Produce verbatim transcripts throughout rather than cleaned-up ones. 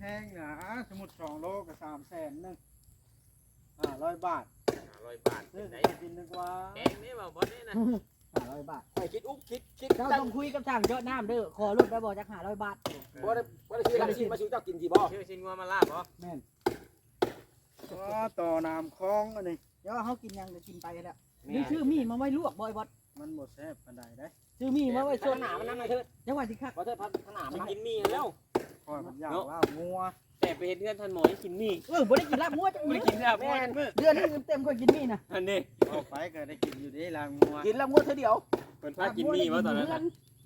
พงนะสมุดสองโลกับสามแสนหนึ่งห้าร้อยบาทห้าร้อยบาทซื้อไหนกินนึกว่าแพงนี่บ่บ่นี่นะห้าร้อยบาทไปคิดอุ๊บคิดคิดเจ้าต้องคุยกับช่างเยอะน้ำเด้อขอลดไปบอกจากห้าร้อยบาทบ่ได้บ่ได้ซื้อลำชิ้นมาซื้อเจ้ากินสิบ่ชื่อชินงัวมาลาบบ่แม่นก็ต่อน้ำคลองอันนี้เดี๋ยวเขากินยังจะกินไปแล้วนี่ชื่อมีมาไว้ลวกบ่อยบอสมันหมดแซ่บปันใดได้ชื่อมีมาไว้ขสดนาดมันนั่งมาเถิดจังหวัดสิครับบ่เถิดพันขนาดสิมันกินมีแล้วคอยมันอยากว่างัวแต่ไปเฮ็ดเพื่อนท่านหมอให้กินมีเออบ่ได้กินลาบงัวจังบ่มื้ได้อกินแล้วบ่ได้มื้อเดือนนึงเต็มก็กินมีนะอันนี้เอาไปก็ได้กินอยู่ดีลางงัวกินแล้วงวดเท่าเดียวเพิ่นพากินมีบ่ตอนนั้นน่ะ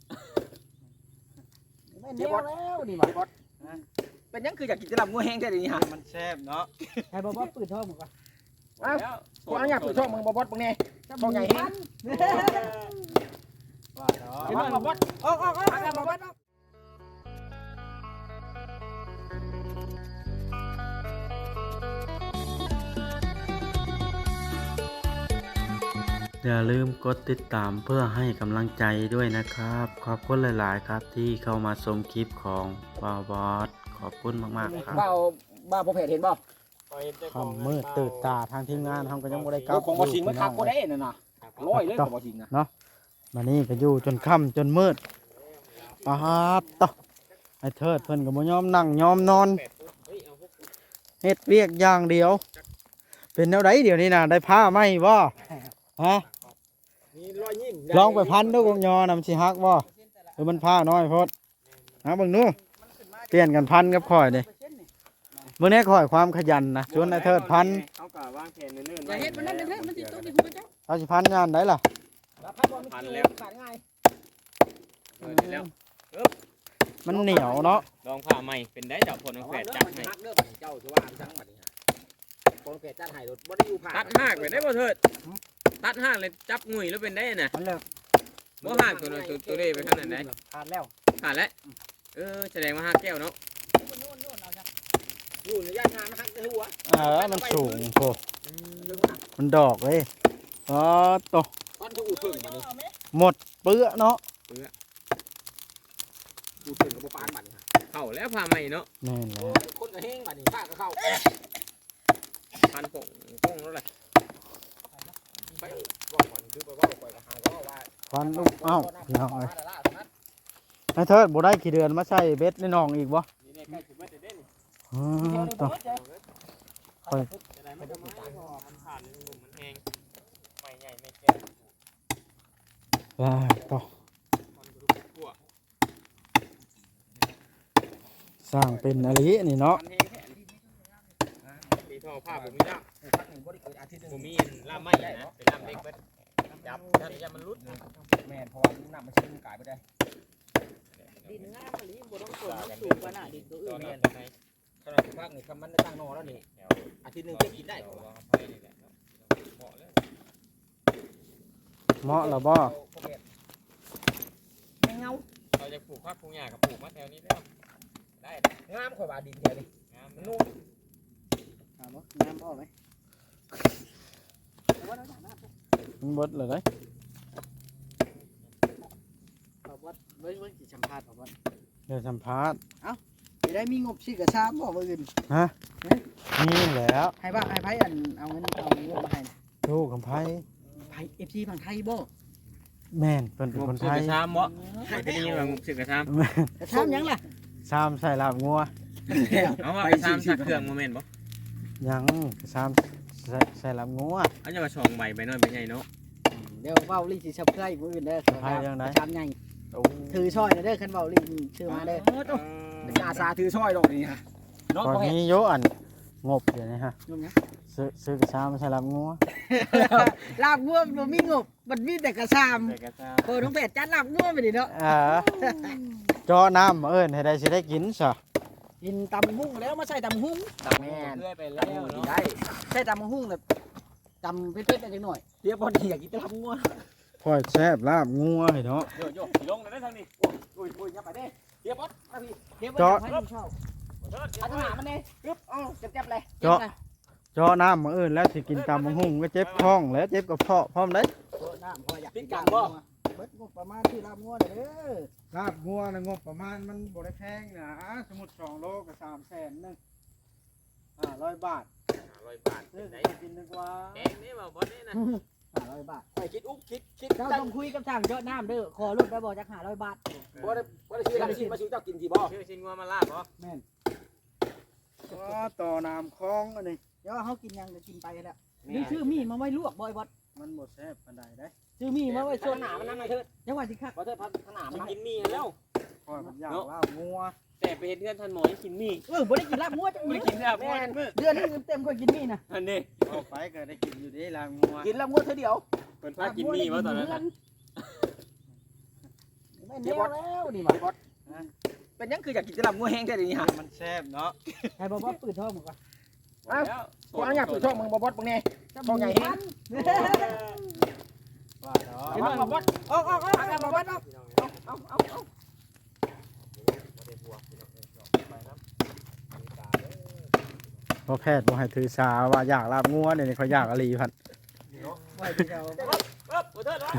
ไม่แน่แล้วนี่บ่เป็นยังคืออยากกินจะลำงวดแห้งแท้เดี๋ยวนี้ฮะมันแซ่บเนาะให้บ่บ่ปืนท้องหมดก่อนแล้วกูอนุญาตเปิดช่องมึงบ่บอสมึงแน่ ช่องใหญ่แฮงว่าเนาะกินบ่บอสออกออกออกบ่บ่ออกอย่าลืมกดติดตามเพื่อให้กำลังใจด้วยนะครับ ขอบคุณหลาย ๆ ครับที่เข้ามาชมคลิปของบาวบอสขอบคุณมาก ๆ ครับบ้าบ้าพอเพจเห็นบ่คำมืดตื่นตาทางทีมงานทำก็ยังบ่ได้กลับของบ่ชิงมันคักบ่ได้นั่นน่ะร้อยเลยของบ่ชิงนะมานี่ก็อยู่จนค่ำจนมืดปาดต่อไอ้เทิดเพิ่นก็บ่ยอมนั่งยอมนอนเฮ็ดเวียกอย่างเดียว เป็นแนวใดเดี๋ยวนี้น่ะได้ผ้าไหมบ่ฮะมีรอยยิ้มลองไปพันดูกงยอนำสิฮักบ่หรือมันผ้าน้อยโพดนะเบิ่งดูเปลี่ยนกันพันกับข่อยนี่มื้อนี้ข่อยความขยันนะชวนไอ้เทิดพันเขาก็วางแผนเนิ่นๆอย่าไว้เฮ็ดมันนั่นเด้อมันสิตกที่หัวเจ้าเอาสิพันงานได้ล่ะพันแล้วขาดง่ายเออนี่แล้วมันเหนียวเนาะลองผ้าใหม่เป็นได้เจ้าผลของแฝดจับให้ฮักเด้อบัดนี้เจ้าสิว่าจังบัดนี้ฮะคนแก่จัดให้รถบ่ได้อยู่ผ่านตัดหากไปได้บ่เถิดตัดหากเลยจับงุยแล้วเป็นได้น่ะมันเลิกบ่หากตัวนั้นตัวตัวนี้ไปขนาดไหนขาดแล้วขาดแล้วเออแสดงว่าหากแก้วเนาะอยู่ในย่านงานมันฮักในหัวเออมันสูงโพมันดอกเลยอ๋อโตตอนเขาอู่ถึงบัดนี้หมดเปื้อเนาะอู่ถึงกับบ่ปานบัดนี้ฮะเข้าแล้วผ้าใหม่เนาะแน่นโอ้แล้วยคนก็แห้งบัดนี้ข้าก็เข้าพันผงผงแล้วแหละไปบอกก่อนคือไปว่าก่อนก็หาก็ว่าควันลูกเอ้าพี่น้องเอ้ยไอ้เทิดบ่ได้กี่เดือนมาใส่เบ็ดในหนองอีกบ่นี่เนี่ยใกล้ถึงเมื่อเด้นอ๋อโตจะได้ไม่ต้องมาเพราะว่ามันขาดเลยหนุ่มมันแห้งไม่ใหญ่ไม่แก่ว้าโตมันก็ทุกขั้วสร้างเป็นอะไรนี่เนาะมันแห้งแค่นี้ตีท่อผ้าผมมีล่ามพักหนึ่งบ่ได้เกิดอาทิตย์หนึงผมมีล่ามไม้นะเป็นล่ามเล็กเบิดจับถ้าจะมันรุดแม่นเพราะว่าน้ำมันชื้นกายไปได้ดินงามมะลิบ่ต้องสูงสูงกว่าหน้าดินตัวอื่ตอนนนั้นไหนขนาดพักนี่คำมันได้ตั้งนอแล้วนี่อาทิตย์หนึงจะกินได้กว่าไปนี่แหละเหมาะแล้วเหมาะแล้วบ่ไม่เงาเราจะปลูกผักปลูกหญ้ากับปลูกมะแถวนี้แล้วได้งามกว่าดินเดียวนี่งามมันนุ่นุ่มมถามว่าน้ำพอไหมมันเบิดเลยเด้ขอบวัดไว้ไว้สิสัมภาษณ์ขอบวัดเดี๋ยวสัมภาษณ์จะได้มีงบซื้อกระชามบ่มื้ออื่นนี่แหล้วให้ว่าให้ไผอันเอาเงินเอาเงินมาให้ลูกกับไผไผ เอฟ ซี ฝั่งไทยบ่แม่นเพิ่นเป็นคนไทยกระชามบ่ไม่ได้ยินว่างบสึกกระชามแม่นกระชามหยังล่ะซามใส่ลาบงัวเอาว่ากระชามสักเครื่องโมเมนต์บ่ยังซามใส่ใส่ลาบงัวอันจะมาช่องใบใบน้อยใบใหญ่เนาะเดี๋ยวเว้าลิสิซับไครบ์มื้ออื่นเด้อก ระชามใหญ่โอ้ถือช่อยเด้อคันเว้าลิชื่อมาเด้อเป็นอาสาถือช่อยดอกนี่ฮะเนาะก่อนพ่อแม่นี้โยอันงบเดี๋ยวนี้ฮะงบหยังซื้อซื้อกระชามใส่ลาบงัวลาบงัวบ่มีงบมันมีแต่กระชามใส่กระชามโอ้น้องแปดจัดลาบงัวไปดิเนาะเออเจาะน้ำมาเอิ้นให้ได้สิได้กินซะกินตำหุ้งแล้วมาใส่ตำหุ้งแม่นเลื่อยไปแล้แล้ว วนี่เนาะได้ใส่ตำหุ้งแบบตำเผ็ดๆจังหน่อยเรียกพอดีอยากกินตะลับงัวค่อยแซ่บลาบงัวให้เนาะโยโย่ลงเลยได้ทางนี้โอ้ยโอ้ยอย่าไปเด้เรียกบอสมาพี่เดี๋ยวเจาะให้ชอบเอาทหารมันเด้ปึ๊บเอ้าเจ็บๆเลยเจาะเจาะน้ำมาเอิ้นแล้วสิกินตำบักหุ่งก็เจ็บท้องแล้วเจ็บกระเพาะพร้อมเด้โอ้น้ำพออยากปิ้งกังบ่เบิดงบประมาณที่ลาบงัวเด้อลาบงัวนะงบประมาณมันบ่ได้แพงนะสมมุติสองโลก็สามแสนนึงห้าร้อยบาทห้าร้อยบาทซื้อไหนไปกินดีกว่าแกงนี่บ่บ่นี่นะห้าร้อยบาทไปคิดอุ๊บคิดคิดเจ้าตั้งต้องคุยกับทางเจ้าน้ำเด้อขอรุ่นไปบอกจากห้าร้อยบาทบ่ได้บ่ได้ซื้ออะไรซื้อมาซื้อเจ้ากินสิบ่ชื่อชิ้นงัวมาลาบบ่แม่นก็ต่อน้ำคลองอันนี้เดี๋ยวเขากินยังจะกินไปแล้วนี่ชื่อมีมาไว้ลวกบ่อยบดมันบ่แซ่บปานใดได้ชื่อมีมาไว้ส่ส่ววน นหนามันนั่นมาเถิดยังว่าสิคักบ่เถิดพัฒนามันกินมีแล้วข้อยมันอยากลาบงัวแต่ไปเฮ็ดเงินทันหมอยังกินมีเออบ่ได้กินลาบงัวจังไม่มื้อกินแล้วบ่มื้อเดือนนึงเต็มๆก็กินมีนะอันนี้เอาไปก็ได้กินอยู่เดีลาบงัวกินแล้วงวดเท่าเดียวเพิ่นพากินมีบ่ตอนนั้นไม่แน่แล้วนี่มาบดเป็นยังคืออยากกินแต่ลำงัวแห้งแท้เดี๋ยวนี้ฮะมันแซ่บเนาะให้บ่บ่ปืนท้องมึงก่อนแล้วกูอนุญาตเปิดช่องมึงบ่บดมึงแน่ ท้องใหญ่แฮงว่าเนาะเห็นบ่บ่บดออกออกออกบ่บ่ออกเอาเอาเอาพอแพทย์บ่ให้ถือสาว่าอยากลาบงัวเนี่ยเขาอยากอลีพันไว้ที่เจ้าปึ๊บบ่เถิดไว้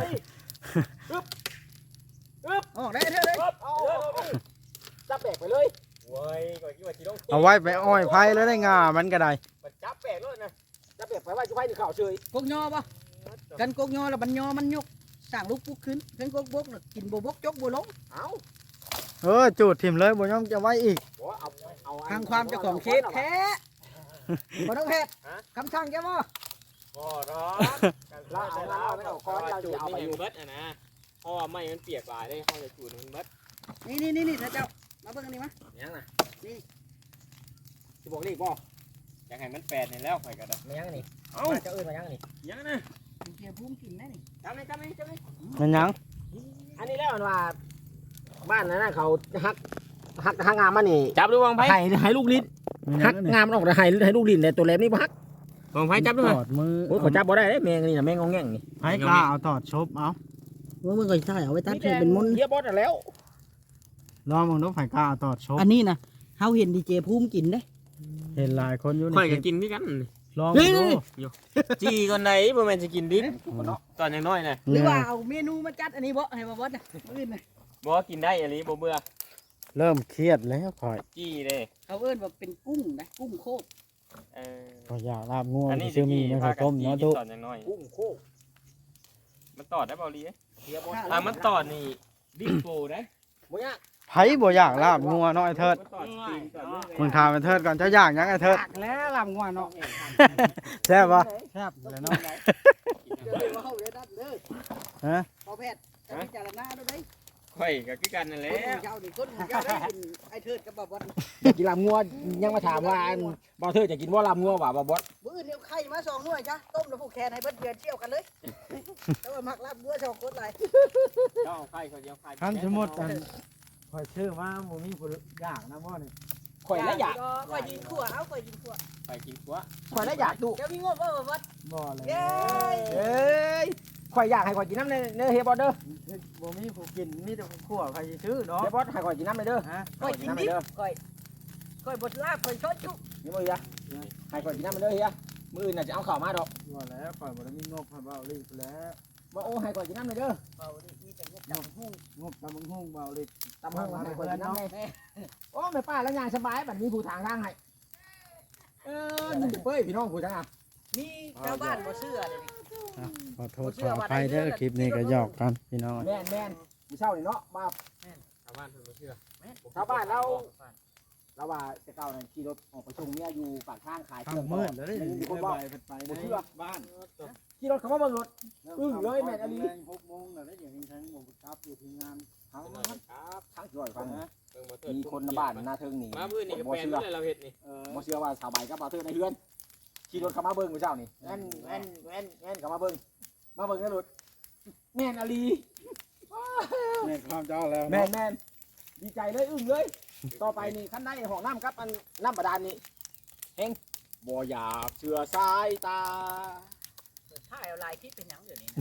ออกได้เถอะเลยปึ๊บเอาจับแบกไปเลยโว้ยก่อนคิดว่าสิต้องเอาไว้ไปอ้อยไผ่แล้วได้งามันก็ได้มันจับแปลกเลยนะจับแบกไปไว้จุไว้นี่ข่าวเฉยกกยอป่ะกันกกยอแล้วบันยอมันยกสร้างลูกปุ๊กขึ้นกันกกบกน่ะกินบ่บกจกบ่ลงเอาเออจูดถิ่มเลยบ่ยอมจะไว้อีกบ่เอาเอาทางความเจ้าของเขตแท้บ่ต้องเฮ็ดคำสั่งแกบ่บ่ดอกลาเอาลาเอาไม่เอาก้อนเราจูจะดเอาไปนี่อยู่เบิดอ่ะนะเพราะว่าไม้มันเปียกหลายได้เขาจะจูดมันเบิดนี่นี่นี่นี่เจ้ามาเบิ่งอันนี้มายังน่ะนี่สิบอกเลขบ่อยากให้มันแปดนี่แล้วข่อยก็ได้ไม่ยังนี่เอ้าเจ้าเอิ้นมายังนี่ยังนะเกียร์พุ่มกินแน่นี่จำไหมจำไหมจำไหมมันหยังอันนี้แล้วว่าบ้านนั้นน่ะเขาฮักฮักฮักงามมานี่จับดูวางไพ่ให้ให้ลูกลิ้นมันหยัฮังกอันนี้งามมันออกแต่ให้ให้ลูกลิ้นแต่ตัวแหลมนี่บ่ฮักวางไพ่จับดูตมั้ยอดมือโอ้ยขอจับบ่ได้เด้แมงนี่น่ะแมงงองแง่งนี่ไผ่กล้าเอาตอดชบเอาว่ามึงก็ใช่เอาไว้ตัดให้เป็นมุนเฮียบอสน่ะแล้วลองมึงดูไผ่กล้าเอาตอดชบอันนี้นะเฮาเห็นดีเจภูมิกินเด้เห็นหลายคนอยู่ข่อยในก็กินพี่กันลองนี่ดูจีก่อนไหนบ่แม่นสิกินดิบตอนยังน้อยน่ะหรือว่าเอาเมนูมาจัดอันนี้บ่ให้บ่บ่นะมื้ออื่นน่ะบ่กินได้อีหลีบ่เบื่อเริ่มเครียดแล้วข่อยจี้เด้เขาเอิ้นว่าเป็นกุ้งนะกุ้งโคกเออข่อยอยากลาบงัวอันนี้ซื้อมีในข้าวต้มจีเนาะกิทุตอนยังน้อยกุ้งโคกมันตอดได้เปล่าลีเฮียบอสถ้ามันตอดนี่ดิบโปได้บ่ยากไผ่บ่อยากลาบงัวเนาะไอ้เทิดมันตอดตีนก่อนเลยมึงถามไอ้เทิดก่อนเจ้าอยากหยังไอ้เทิดตักแล้วลำงัวเนาะแซ่บปะแซ่บเลยเนาะเดี๋ยวว่าเฮาได้ตัดเด้อฮะพอแพทย์จะพิจารณาด้วยเด้ข่อยก็คือกันนั่นแหคละนของเจ้านี่คนของเจ้าได้กินไอ้เทิดกับบ่บ่อยากกินลำงัวยังมาถามว่าอันบ่าวเธอจะกินบ่ลำงัวว่าบ่บอสมื้ออื่นเอาไข่มาสองหน่วยจ้ะต้มแล้วผูกแขนให้เบิดเดือนเที่ยวกันเลยแต่ว่ามักลาบงัวสองคนหลายเจ้าเอาไข่เขาจะเอาไข่คันสมมุติอันข่อยชื่อว่าหมูมีผู้อยากนะบ่นี่ข่อยแล้วอยากข่อยยิงขั่วเอาข่อยยิงขั่วไปกินกัวข่อยแล้วอยากดูเดี๋ยวมีงบบ่บ่บ่บ่เลยเย้เอ้ยข่อยอยากให้ข่อยกินน้ำในเนื้อเฮียบอสเด้อบ่มีผู้กินมีแต่ผู้ขั่วใครสิซื้อเนาะเฮียบอสให้ข่อยกินน้ำในเด้อฮะข่อยกินดิบข่อยข่อยบดลาบข่อยช้อนจุนี่บ่เฮียให้ข่อยกินน้ำในเด้อเฮียมื้ออื่นน่ะจะเอาข้าวมาดอกว่าแล้วข่อยบ่ได้มีงบให้เบาลีกแล้วบ่โอ้ให้ข่อยกินน้ำในเด้อเบาดิมีแต่งบจับหุ้งงบตำบักหุ่งเบาลีกตำห้องให้ข่อยกินน้ำในโอ้แม่ป้าแล้วยางสบายบัดนี้ผู้ทางทางให้เออนี่เป้ยพี่น้องผู้ทางอ่ะมีชาวบ้านบ่เชื่อเลยขอโทษขออภัยเด้อคลิปนี้ก็หยอกกันพี่น้องแม่นแม่นมื้อเช้านี่เนาะมาชาวบ้านเพิ่นบ่เชื่อชาวบ้านเราเราว่าแต่เก่านั่นขี่รถออกไปส่งเมียอยู่ปากทางขายเคทารื่อง งมืดแล้วได้นี่ยินคนไปบอกไปในบ้านขี่รถเขามาเบิ่งรถ อึ้งเลยแม่นอลีหกโมงแล้วได้อย่างนี้ทั้งหมดครับอยู่ที่งานทางครับทางจ่อยฟังนะเบิ่งบ่เถิดมีคนในบ้านหน้าเทิงนี่มามื้อนี้ก็บ่แปลนเชื่อเลยเราเฮ็ดนี่เออบ่เชื่อว่าสาวใบกับบ่าวเทิงในเฮือนขี่รถเขามาเบิ่งมื้อเช้านี่แม่นแม่นแม่นแม่นเขามาเบิ่งมาเบิ่งในรถแม่นอลีแม่นความเจ้าแล้วแม่นแม่นดีใจเลยอึ้งเลย ต่อไปนี่คันได้ห้องน้ำครับอันน้ำบาดาลนี่เฮงบ่อยากเชื่อสายตาถ่ายเอาลายคลิปเป็นหยังเดี๋ยวนี้นะ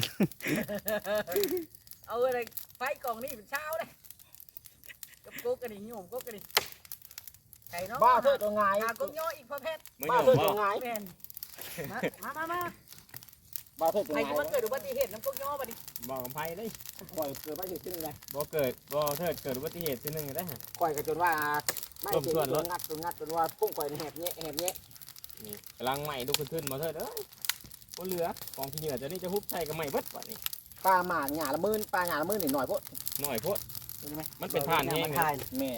เอาอะไรไฟกล่องนี่เป็นเช้าเลยกับกุ๊กกันนี่โยมกุ๊กกันนี่ไข่เนาะบ้าเธอตัวไงหากุ๊กย่ออีกประเภทมื้อบ้านี้เธอบ่ตัวไงแม่นมามามามาบ่เถิดเป็นใครไงจะมาเกิดอุบัติเหตุน้ำพวกย่อบัดนี้บอกกับไผเลยข่อยเกิดมาเหตุที่นึงเลยบ่เกิดบ่เถิดเกิดอุบัติเหตุทีนึงได้ฮะข่อยก็จนว่าไม่รวมเจ็บส่วนจรนถงัดจนงัดจนว่าพุ่งข่อยแหบเนี้ยแหบเนี้ยนี่กำลังใหม่ดูขึ้นๆบ่เถิดเอ้ยบ่เหลือกองขี้เหงื่อจะนี่จะฮุบใส่กับใหม่เบิดบัดนี้ปลาหมาหยาละหมื่นปลาหยาละหมื่นนิดหน่อยพุ่นน้อยโพดมันเป็นผ่านแห้งเลยแม่น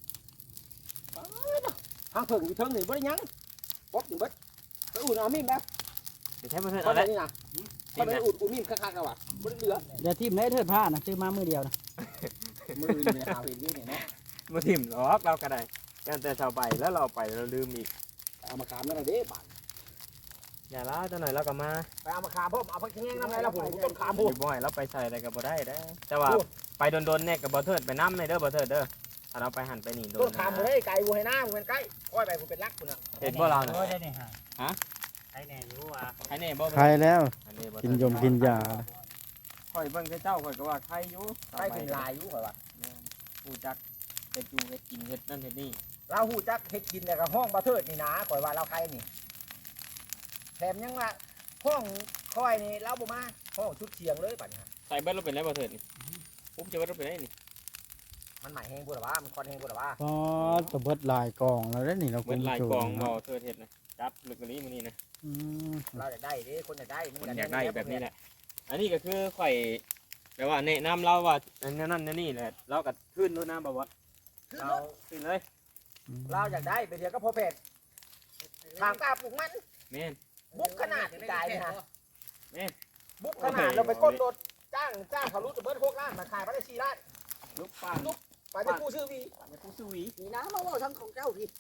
ทางเพิ่งอยู่เทิงนี่บ่ได้หยังป๊อบอยู่เบิดไปอุ่นเอามีดนะเดี๋ยวใช้บ่เถิดเอาเอาได้ได้นี่นะเขาไปอุ่นอุ่นมีดคักๆแล้วว่ะบ่ได้เหลืออย่าทิ่มได้เถิดผ้านะซื้อมามือเดียวนะมือนี่หาเห็นอยู่นี่เนาะบ่ทิ่มหรอกเราก็ได้กันแต่ชาวไปแล้วเราไปเราลืมอีกเอามาขามนั่นน่ะเด้บาดอย่าล้าจังหน่อยเราก็มาไปเอามาขามพ่อเอาไปแห้งๆนำไงล่ะผมต้นขามบ่พุ่นบ่ให้เราไปใส่อะไรก็บ่ได้เด้อแต่ว่าไปโดนๆเนี่ยก็บ่เถิดไปนำเลยเด้อบ่เถิดเด้อถ้าเราไปหันไปนี่โดต้นนขามบ่ได้ไกลบ่ให้หน้าบ่เป็นใกล้ค่อยไปบ่เป็นรักพุ่นน่ะเห็นบ่เราน่ะได้เนี่ยฮะฮะไอ้แน่อยู่อ่ะใครแน่บ่ใครแล้วอันนี้บ่กินยมกินยาข่อยเบิ่งแต่เจ้าข่อยก็ว่าใครอยู่ใกล้เป็นลายอยู่ข่อยว่าผู้จักเฮ็ดอยู่เฮ็ดกินเฮ็ดนั่นเฮ็ดนี่เราฮู้จักเฮ็ดกินแต่ก็ห้องบ่เทิดนี่นะข่อยว่าเราใครนี่แถมยังว่าห้องค่อยนี่เราบ่มาห้องชุดเชียงเลยบัดนี้ใส่เบิดเราเป็นไรบ่เถิดนี่ปุ๊บจะเบิดเราเป็นไรนี่มันหมายแห้งพุ่นล่ะว่ามันคอนแห้งพุ่นล่ะว่าพอตะเบิดหลายกองแล้วได้นี่เราเบิดลายกองบ่เถิดเฮ็ดนะจับลึกกว่านี้มื้อนี้นะอืมเราอยากได้เด้คนอยากได้คนอยากได้แบบนี้แหละ อันนี้ก็คือข่อยแปลว่าแนะนำเราว่าอันนั้นนั่นนี่แหละเราก็ขึ้นรถน้ำบ่ว่าเราขึ้นเลยเราอยากได้ไปเดียวก็พอแพทย์ทางกล้าปลูกมันแม่นบุกขนาดกายนี่ฮะแม่นบุกขนาดเราไปก้นรถจ้างจ้างเขารู้จะเบิดหกล้านมาขายไปได้สี่ล้านลูกป้าไปจะกู้ชื่อวีอย่าผู้ซื้อหวีนี่นะมาว่าทั้งของเจ้าพี่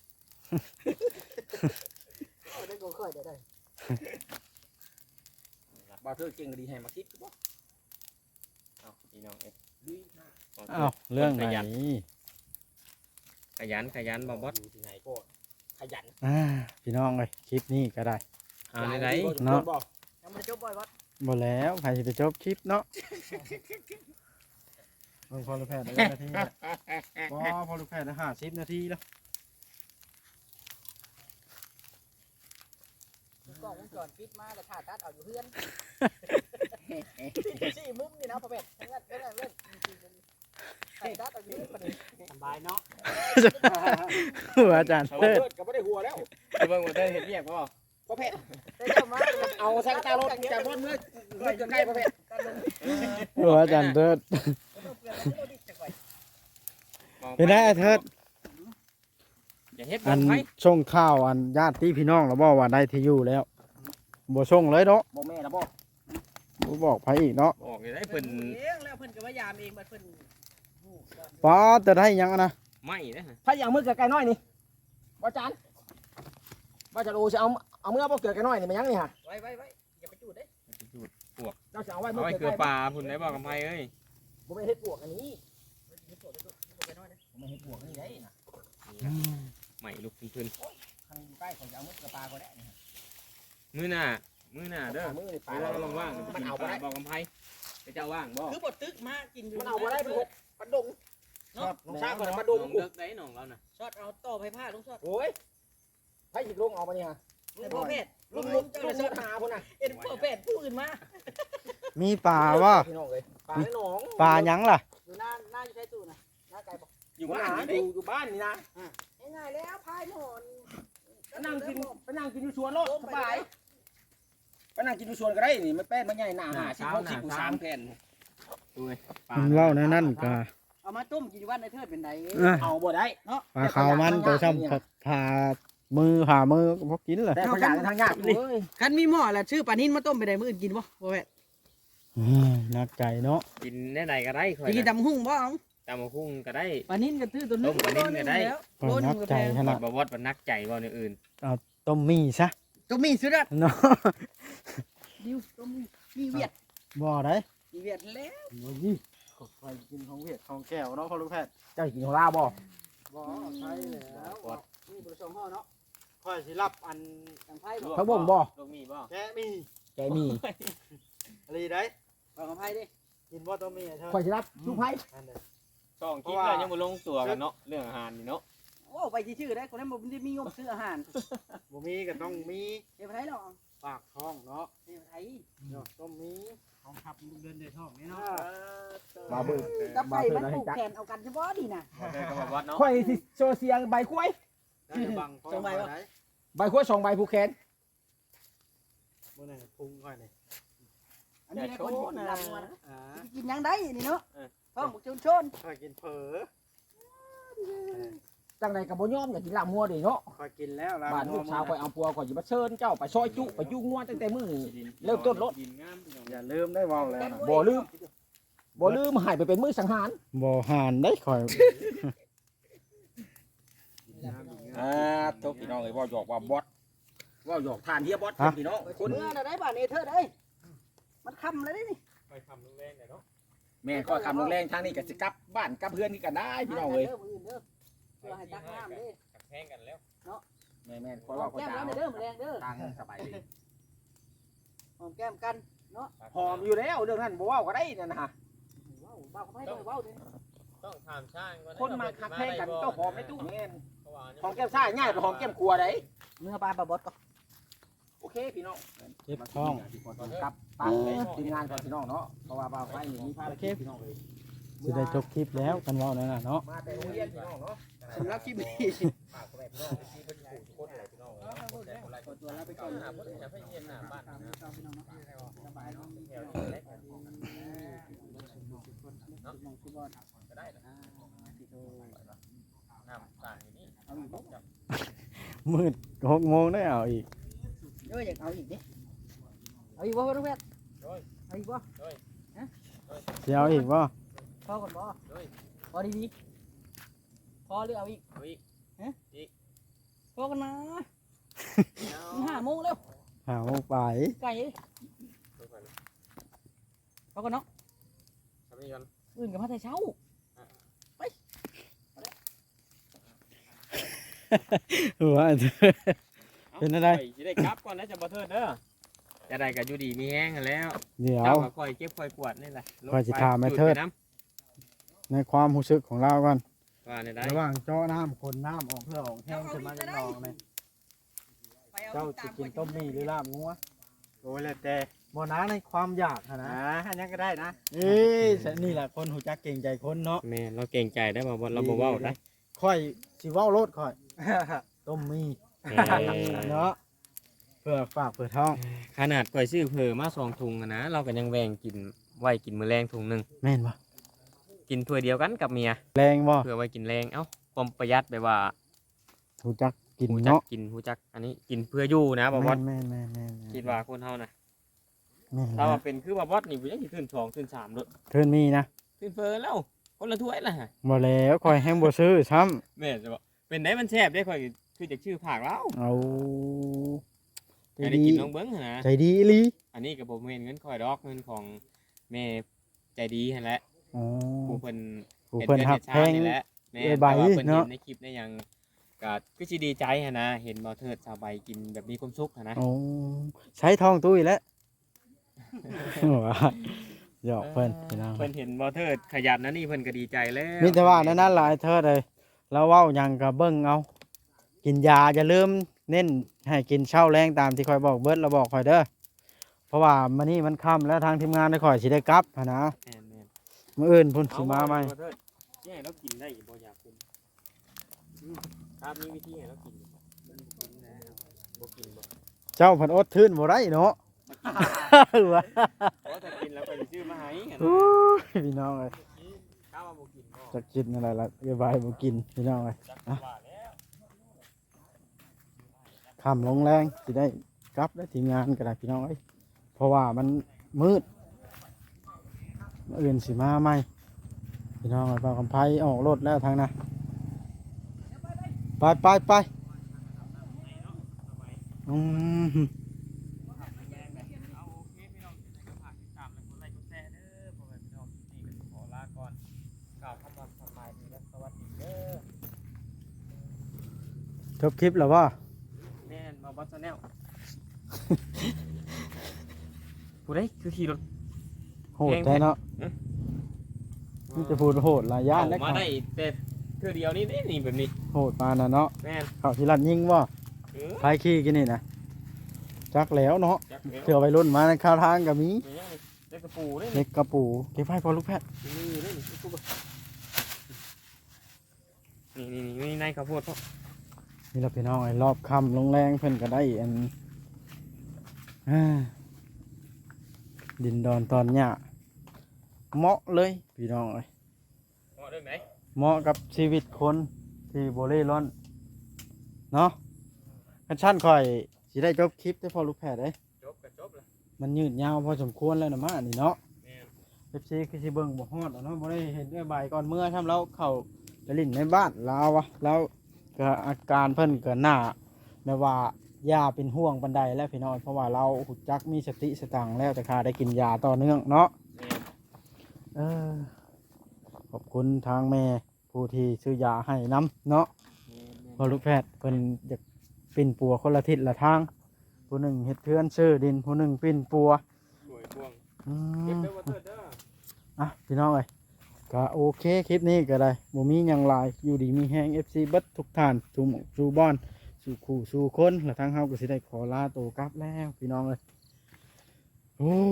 ได้ก็ค่อยได้ได้บ่าวเธอเก่งดีให้มาคิดบ่เอาพี่น้องเอ้ยดีอ้าวเรื่องไหนขยันขยันบ่บอสอยู่ที่ไหนก็ขยันอ่าพี่น้องเลยคลิปนี้ก็ได้เอาในไหนเนาะยังไม่จบบ่อยวัดบ่แล้วใครจะไปจบคลิปเนาะเบิ่งพอลูกแพทย์ได้นาทีแล้วบ่พอลูกแพทย์ได้ห้าสิบนาทีแล้วกล้องวงจรปิดมาแล้วถ่าตัดเอาอยู่เพื่อนสี่มุมนี่นะพ่อเป็ดทั้งนั้นทั้งนั้นเล่นถ่ายตัดเอาอยู่เพื่อนสบายเนาะหัวอาจารย์บ่าวเทิดเธอก็บ่ได้หัวแล้วไปเบิ่งว่าเธอเฮ็ดเรียกบ่พอแพทย์ได้เจ้ามาเอาแซงตารถจากรถเมื่อเมื่อจนใกล้พอแพทย์หัวอาจารย์เทิดเป็นไงไอ้เทิดอย่าเฮ็ดอับ่นไผส่งข้าวอันญาติพี่น้องเราบอกว่าได้ที่อยู่แล้วบ่ส่งเลยเนาะบ่แม่นะบ่บ่บอกไผอีกเนาะบอกอยู่ได้เพิ่เพิ่นนเองแล้วเพิ่นก็พยายามเองบัดเพิ่นป้าจะได้หยังอะนะไม่นะฮะถ้าอย่างมือเกิดไก่น้อยนี่บ่จานบ่จะดูสิเอาเอาเมื่อบ่เกิดไก่น้อยนี่มันยังนี่ฮะไว้ไว้ไว้อย่าไปจูดเด้เจ้าสิเอาไว้เอาเมื่อไว้เกิดเกลือไก่ปลาพุ่นได้บ่กับไผเอ้ยบ่แม่นเฮ็ดปวกอันนี้ไปโตไปน้อยนะบ่แม่นเฮ็ดปวกอันนี้ได้นะใหม่ลุกขึ้นคันอยู่ใกล้เขาจะเอามือเกิดปลาก็ได้นี่ฮะๆมื้อหน้ามื้อหน้าเด้อมือนี่ปไปลาเราว่างๆมันเอาบ่ได้บอกกับไผไปเจ้าว่างบ่คือบ่ตึกมากินอยู่มันเอาบ่ได้เป็นหกปันดงเนาะน้องชาก่อนปันดดงงเลิกได้น้องเราน่ะช็อตเอาต่อไผผ้าลุงช็อตโอ้ยไผสิลงเอาบ่นี่ฮะแต่พ่อเพชรลุลุงงลุลุงงเจ้าเจ้าเลยเลยสช็อตดหาพุ่นน่ะเอ็นพ่อเพชรผู้อื่นมามีป่าว่าพี่น้องเอ้ยปลาในหนองป่าหยังล่ะอยู่หน้าหน้าอยู่ใช้ตู้นะหน้าไก่บอกอยู่บ้านอยู่อยู่บ้านนี่นะง่ายๆแล้วพายหมอนไปนั่งกินไปนั่งกินอยู่สวนโลดสบายไปนั่งกินอยู่สวนก็ได้นี่มันแป้นมันใหญ่หนาหาสิบหกสิบกูสามแผ่นดูไงมันเล่าในนั่นก็เอามาต้มกินอยู่บ้านในเทิดเป็นไงอ่ะเอาบ่ได้ปลาขาวมันตัวช่ำผ่ามือผ่ามือก็พอกินเลยแต่เขาอยากกันทางยากนี่คันมีหม้อแหละชื่อปลานิ่นมาต้มไปได้มื้ออื่นกินบ่พ่อเพชรนักใจเนาะกินได้ไหนก็ได้ข่อยจะกินนะตำหุ่งบ่เอาตำบักหุ่งก็ได้ปลานิ่นก็ตื้อตัวนึต้มปลานิ่นก็ได้ก็นักใจขนาดบ่วอดบ่นักใจบ่ในอื่นต้มมีซะตัวมีสุดอะเนาะดิวตัวมีมีเวียดบ่ได้มีเวียดแล้วบ่ยี่ไปกินของเวียดของแก้วเนาะพ่อลูกแพทย์เจ้ากินของลาวบ่บ่ใช่แล้วมีบริษัทห่อเนาะค่อยสิรับอันทางไพ่บ่เขาบ่งบ่ลูกมีบ่แกะมีแกมีอะไรได้บอกกับไพ่ดิกินบ่ต้มมีเถอะข่อยสิรับลูกไผอันเด้อสองคลิปแล้วยังบ่ลงตัวกันเนาะเรื่องอาหารนี่เนาะเว้าวไปชื่อได้คนนั้นบ่ได้มีงบซื้ออาหารบ่มีก็ต้องมีเดี๋ยวไปไหนเนาะปากท้องเนาะเดี๋ยวไปไหนเนาะต้องมีของขับเดินในท้องนี่เนาะมาเบิ่งกับไปมันผูกแขนเอากันเฉพาะดีนะบ่เทิดก็บ่วัดเนาะข่อยสิโซเสียงใบกล้วยได้บังท้องสบายไว้ปะได้ใบกล้วยสองใบผูกแขนบ่ได้พุงค่อยนี่อันนี้คนกินลำมันอ่ากินยังได้นี่เนาะท้องบุกชนชนค่อยกินเผลอจังไดก็บ่ยอมอยากกินลาบงัวดิเนาะค่อยกินแล้วล่ะบ้านลูกสาวข่อยเอาปัวข่อยสิมาเชิญเจ้าไปซอยจุไปยุ่งงัวตั้งแต่มื้อนี้เริ่มต้นรถดินงามพี่น้องอย่าลืมได้เว้าแล้วนะบ่ลืมบ่ลืมให้ไปเป็นมื้อสังหารบ่หานได้ค่อยอ่าทุกพี่น้องเอ้ยเว้าหยอกว่าบอสเว้าหยอกทานเฮียบอสพี่น้องคนเมื่อน่ะได้บ้านเอเธอร์ได้มันคำเลยนี่ไปทำลูกแรงได้เนาะแม่ก็คำลงแรงทางนี้ก็สิกลับบ้านกลับเพื่อนนี่ก็ได้พี่น้องเอ้ยเด้อมืออื่นเด้อเพื่อให้ตักน้ำเด้อกับแพงกันแล้วแม่แม่นขอเว่าขอแก้มจ้าแล้วเด้อมือแรงเด้อทางสบายดีหอมแก้มกันเนาะหอมอยู่แล้วเรื่องนั้นบ่เว้าก็ได้นั่นนะฮะว้าวบ้าเขาไม่ได้ว้าวดิต้องถามช่างก่อนคนมาคักแพงกันก็หอมในตู้แม่นเพราะว่าหอมแก้มซ่าง่ายกว่าหอมแก้มครัวได้เมื่อปลาปลาบดก็โอเคพี่น้องเจ็บท้องกลับปังทีมงานก่อนพี่น้องเนาะเพราะว่าบ่าวไฟนี่มีภารกิจพี่น้องเลยสิได้จบคลิปแล้วกันเว้านั่นน่ะเนาะมาแต่โรงเรียนพี่น้องเนาะสำหรับคลิปนี้ฝากพ่อแม่พี่น้องที่เพิ่นอยู่ทุกคนเลยพี่น้องเอ้ยตัวแล้วไปก่อนหาบ่ได้ไปเยี่ยมหน้าบ้านนะพี่น้องเนาะสบายเนาะแถวนี้แหละก็ได้นะที่โตน้ำต่างอยู่นี่เอาอีกบ่มืดหกโมงได้เอาอีกเอออยากเอาอีกดิเอาอีกบ่น้องแพทย์เอาอีกบ่สิเอาอีกบ่พอก่อนบ่พอดีๆพอหรือเอาอีกเอาอีกพอกันนะห้าโมงแล้วหาโมงไปไก่พอกันเนาะทำนี่ก่อนอื่นกับมาแต่เช้าหัวเป็นอะไรสิได้กลับก่อนนะจะบ่เทิดเด้อจะได้ก็อยู่ดีมีแห้งกันแล้วเดี๋ยวเจ้าก็ค่อยเก็บค่อยกวาดนี่แหละค่อยสิถามแม่เทิด ในความรู้สึกของเราก่อนว่าในได้ระหว่างเจาะน้ำคนน้ำออกเพื่อออกแห้งขึ้นมาจากหนองเลยเจ้าจะกินต้มมี่หรือลาบงัวโอ้ยแล้วแต่บ่นะในความอยากอะนะอันนี้ก็ได้นะเอ้ยนี่แหละคนหูจักเก่งใจคนเนาะแม่เราเก่งใจได้บ่บ่เราบ่เว้าได้ค่อยสิเว้ารถค่อย ต้มมี่เนาะเพื่อฝากเพื่อท้องขนาดก่อยซื้อเผอมาสองถุงอะนะเราก็ยังแบ่งกินไว้กินมื้อแรงถุงหนึงแม่นบ่กินถ้วยเดียวกันกับเมียแรงบ่เพื่อไว้กินแรงเอ้าความประหยัดแบบว่าหูจักกินฮู้จักเนาะกินฮู้จักอันนี้กินเพื่ออยู่นะบ่บอสแม่นแม่นแม่นแม่นคิดว่าคนเฮานะแม่นถ้านะว่าเป็นคือว่าบอสนี่บ่ยังสิขึ้นสองขึ้นสามโดดเพิ่นมีนะขึ้นเฟอแล้วคนละถ้วยละฮะบ่แล้วค่อยแห้งบ่ซื้อซ้ำแม่นจะบอกเป็นได้มันแซ่บได้ค่อยคือจากชื่อผักแล้วเอาใจอันนี้ดีกินน้องเบิ้งหั่นนะใจดีอีหลีอันนี้ก็บ่แม่นเงินค่อยดอกเงินของแม่ใจดีหั่นแหละอ๋อผู้เพิ่นผู้เพิ่นหักแพงนี่แหละแม่เอ้ยใบแต่ว่าเพิ่นเนาะเห็นในคลิปในหยังก็คือสิดีใจหั่นนะเห็นบ่เทิดสาวใบกินแบบมีความสุขหั่นนะโอ้ใช้ทองตุ้ยแล้วว่าหยอกเพิ่นพี่น้องเพิ่นเห็นบ่เทิดขยันนะนี่เพิ่นก็ดีใจแล้วมีแต่ว่าในนั้นหลายเทิดเลยแล้วเว้าหยังก็เบิ่งเอากินยาอย่าลืมเน้นให้กินเช้าแรงตามที่คอยบอกเบิดเราบอกคอยเด้อเพราะว่ามื้อนี้มันค่ำแล้วทางทีมงานได้คอยสิได้กลับหั้นนะแม่นแม่นมื้ออื่นพุ่นสิมาใหม่เอบ่เทิดแย่เรากินได้อีกบ่อยากกินอืมครับมีวิธีให้เรากินอยู่บ่มันบ่กินนะบ่กินบ่เจ้าเพิ่นอดทื่นบ่ได้เนาะ ว่าเพราะถ้ากินแล้วก็จะซื้อมาให้หั่นโอ้ยพี่น้องเอ้ยถ้าว่าบ่กินก็จะกินอะไรล่ะเดี๋ยวบายบ่กินพี่น้องเอ้ยจักว่าแล้วค่ำลงแรงสิได้กลับได้ทีมงานก็ได้พี่น้องเอ้ยเพราะว่ามันมืดมื้ออื่นสิมาใหม่พี่น้องเอ้ยบ่าวกำไผออกรถแล้วทางน่ะไปไปไปอืมเอาโอเคพี่น้องยังไงก็ฝากติดตามและกดไลค์กดแชร์เด้อพ่อแม่พี่น้องนี่ก็สิขอลาก่อนกล่าวคำว่าสบายดีและสวัสดีเด้อจบคลิปแล้วว่าแม่นมาบัสแนลผู้ใดคือขี่รถโหดแท้เนาะเอ๊ะนี่จะพูดโหดหลายย่านเอาแล้วมาได้แต่เทื่อเดียวนี่นี่นี่แบบนี้โหดปานน่ะเนาะแม่นเข้าที่รัดยิงบ่เออไผขี่กินนี่นะจักแล้วเนาะจักแล้วเถื่อวัยรุ่นมาในข้าวทางก็มีแม่นเล็กกระปูนี่เล็กกระปูเก็บไว้พอลูกแพทย์นี่นี่นี่กูบ่นี่นี่นี่นี่ในข้าวโพดพ่อนี่เราพี่น้องไอ้รอบค่ำลงแรงเพิ่นก็ได้อันอ่าดินดอนตอนหญ้าเหมาะเลยพี่น้องเอ้ยเหมาะด้วยไหมเหมาะกับชีวิตคนที่โบเล่ร่อนเนาะกันชั้นคอยสิได้จบคลิปได้พอลูกแพทย์เด้ยจบก็จบแล้วมันยืดยาวพอสมควรแล้วนะมานี่เนาะแม่นเอฟซีคือสิเบิ่งบ่ฮอดอะเนาะบ่ได้เห็นด้วยใบายก่อนเมื่อทำเราเข้าไปลิ้นในบ้านลาวอะแล้วก็อาการเพิ่นก็หน้าแบบว่าย่าเป็นห่วงปานใดแล้วพี่น้องเพราะว่าเราหุจักมีสติสตังค์แล้วแต่ข้าได้กินยาต่อเนื่องเนาะแม่นเออขอบคุณทางแม่ผู้ที่ซื้อยาให้น้ำเนาะแม่นแม่นพอลูกแพทย์เพิ่นอยากปิ่นปัวคนละทิศละทางผู้หนึ่งเฮ็ดเทือนซื้อดินผู้หนึ่งปิ่นปัวสวยพวงอืเก็บมเด้อว่าเถิดเด้ออ่ะพี่น้องเอ้ยก็โอเคคลิปนี้ก็ได้บ่มีหยังหลายอยู่ดีมีแฮง เอฟ ซี เบิดทุกท่านสู่หมู่สู่บอนสู่คู่สู่คนและทางเฮาก็สิได้ขอลาโตวกลับแล้วพี่น้องเอ้ยโอ้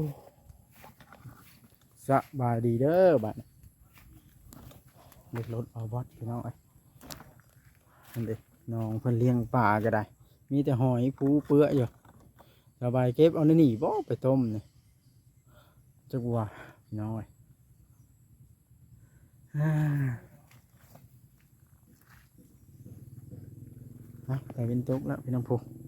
สบายดีเด้อบัดนี้เล็กรถเอาบอสพี่น้องเอ้ยนั่นเด้น้องเพิ่นเลี้ยงปลาก็ได้ มีแต่หอยปูเปื้ออยู่ระบายเก็บเอาในนี่บ่ไปต้มนี่จักว่าพี่น้องเอ้ย อ่านะแต่เป็นตุกแล้วพี่น้องผู้